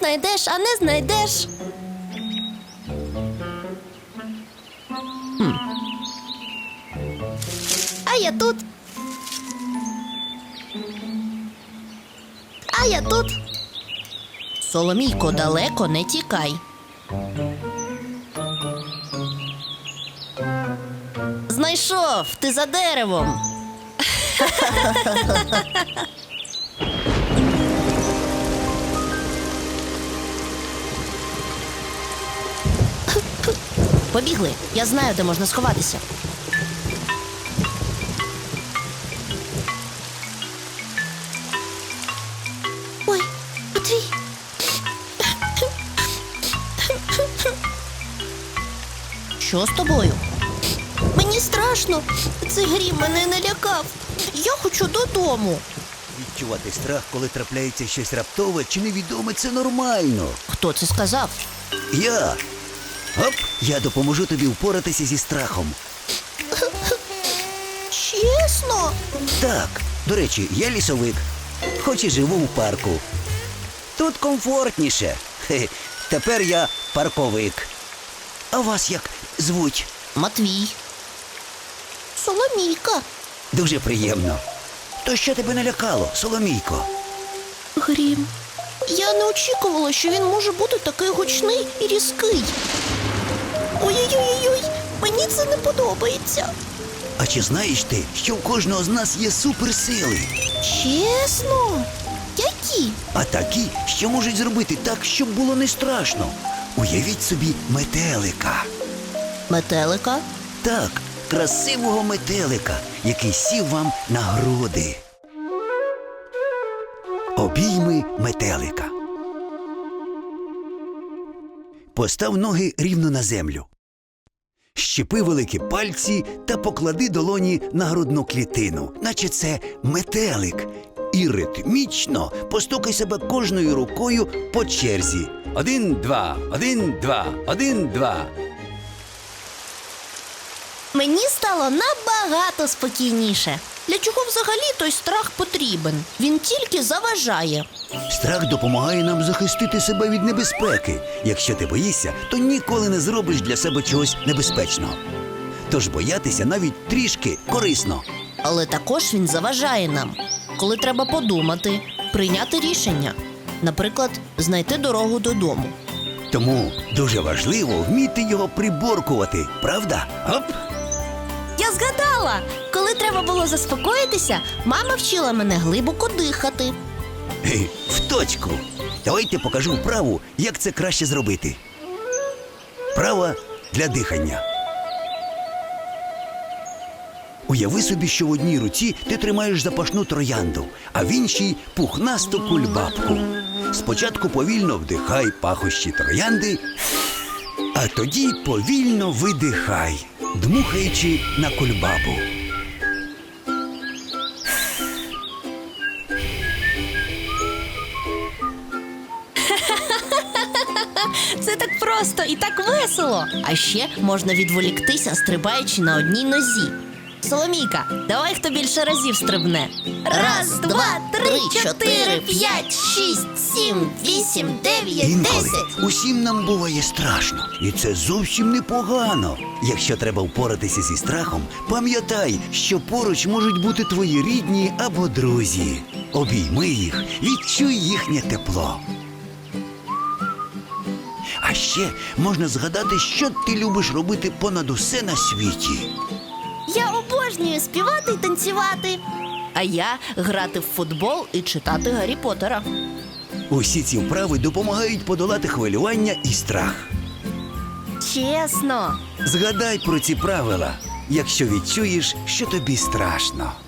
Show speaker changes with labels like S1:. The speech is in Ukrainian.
S1: знайдеш, а не знайдеш. А я тут. А я тут. Соломійко, далеко не тікай. Знайшов, ти за деревом. Побігли, я знаю, де можна сховатися. Ой, Матвій. Що з тобою? Мені страшно. Цей грім мене налякав. Я хочу додому.
S2: Відчувати страх, коли трапляється щось раптове чи невідоме, це нормально.
S1: Хто це сказав?
S2: Я. Оп, я допоможу тобі впоратися зі страхом.
S1: Чесно?
S2: Так, до речі, я лісовик, хоч і живу в парку. Тут комфортніше. Хе, тепер я парковик. А вас як звуть?
S1: Матвій. Соломійка.
S2: Дуже приємно. То що тебе налякало, Соломійко?
S1: Грім. Я не очікувала, що він може бути такий гучний і різкий. Ой-ой-ой, мені це не подобається.
S2: А чи знаєш ти, що в кожного з нас є суперсили?
S1: Чесно? Які?
S2: А такі, що можуть зробити так, щоб було не страшно. Уявіть собі метелика.
S1: Метелика?
S2: Так, красивого метелика, який сів вам на груди. Обійми метелика. Постав ноги рівно на землю. Щепи великі пальці та поклади долоні на грудну клітину, наче це метелик. І ритмічно постукай себе кожною рукою по черзі. 1, 2, 1, 2, 1, 2.
S1: Мені стало набагато спокійніше. Для чого взагалі той страх потрібен? Він тільки заважає.
S2: Страх допомагає нам захистити себе від небезпеки. Якщо ти боїшся, то ніколи не зробиш для себе чогось небезпечного. Тож боятися навіть трішки корисно.
S1: Але також він заважає нам, коли треба подумати, прийняти рішення. Наприклад, знайти дорогу додому.
S2: Тому дуже важливо вміти його приборкувати, правда? Оп!
S1: Я згадала! Коли треба було заспокоїтися, мама вчила мене глибоко дихати.
S2: В точку! Давайте покажу вправу, як це краще зробити. Вправа для дихання. Уяви собі, що в одній руці ти тримаєш запашну троянду, а в іншій – пухнасту кульбабку. Спочатку повільно вдихай пахощі троянди, а тоді повільно видихай, дмухаючи на кульбабу.
S1: Це так просто і так весело. А ще можна відволіктися, стрибаючи на одній нозі. Соломійка, давай хто більше разів стрибне. 1, 2, 3, 4, 5, 6, 7, 8, 9,
S2: Інколи
S1: 10.
S2: усім нам буває страшно. І це зовсім непогано. Якщо треба впоратися зі страхом, пам'ятай, що поруч можуть бути твої рідні або друзі. Обійми їх, відчуй їхнє тепло. А ще можна згадати, що ти любиш робити понад усе на світі.
S1: Я обожнюю співати і танцювати. А я грати в футбол і читати Гаррі Поттера.
S2: Усі ці вправи допомагають подолати хвилювання і страх.
S1: Чесно.
S2: Згадай про ці правила, якщо відчуєш, що тобі страшно.